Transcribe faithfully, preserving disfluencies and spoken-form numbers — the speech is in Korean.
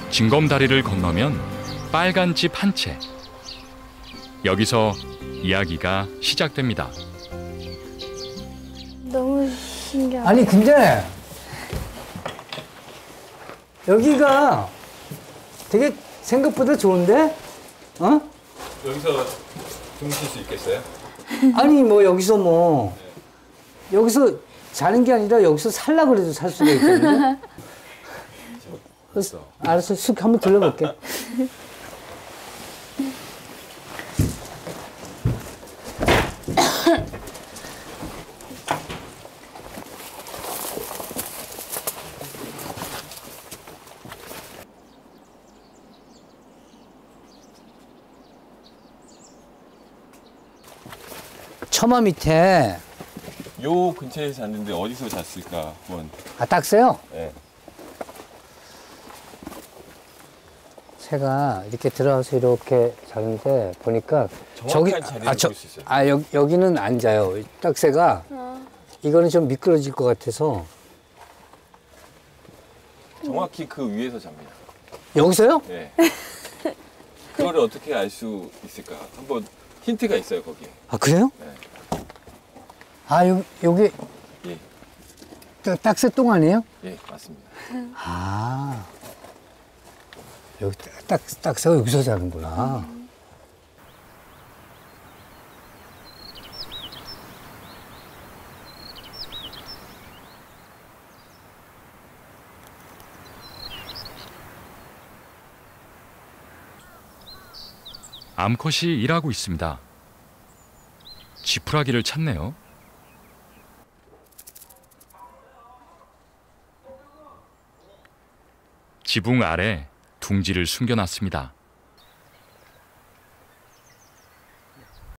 징검다리를 건너면 빨간 집 한 채. 여기서 이야기가 시작됩니다. 너무 신기하다. 아니 근데 여기가 되게 생각보다 좋은데? 어? 여기서 주무실 수 있겠어요? 아니 뭐 여기서 뭐 여기서 자는 게 아니라 여기서 살라 그래도 살 수가 있거든요. 있어. 알았어, 쑥 한번 들러볼게. 처마 밑에 요 근처에 잤는데 어디서 잤을까 한번. 아 딱새요? 네. 새가 이렇게 들어와서 이렇게 자는데 보니까 정확한 자리를 아, 저, 볼 수 있어요. 아 여, 여기는 안 자요. 딱새가 어. 이거는 좀 미끄러질 것 같아서. 정확히 그 위에서 잡니다. 여기서요? 네. 그거를 어떻게 알 수 있을까? 한번 힌트가 있어요 거기에. 아 그래요? 네. 아 요, 여기 예. 딱- 딱새 똥 아니에요? 예, 맞습니다. 아 여기 딱, 딱, 딱새가 여기서 자는구나. 암컷이 일하고 있습니다. 지푸라기를 찾네요. 지붕 아래 둥지를 숨겨놨습니다.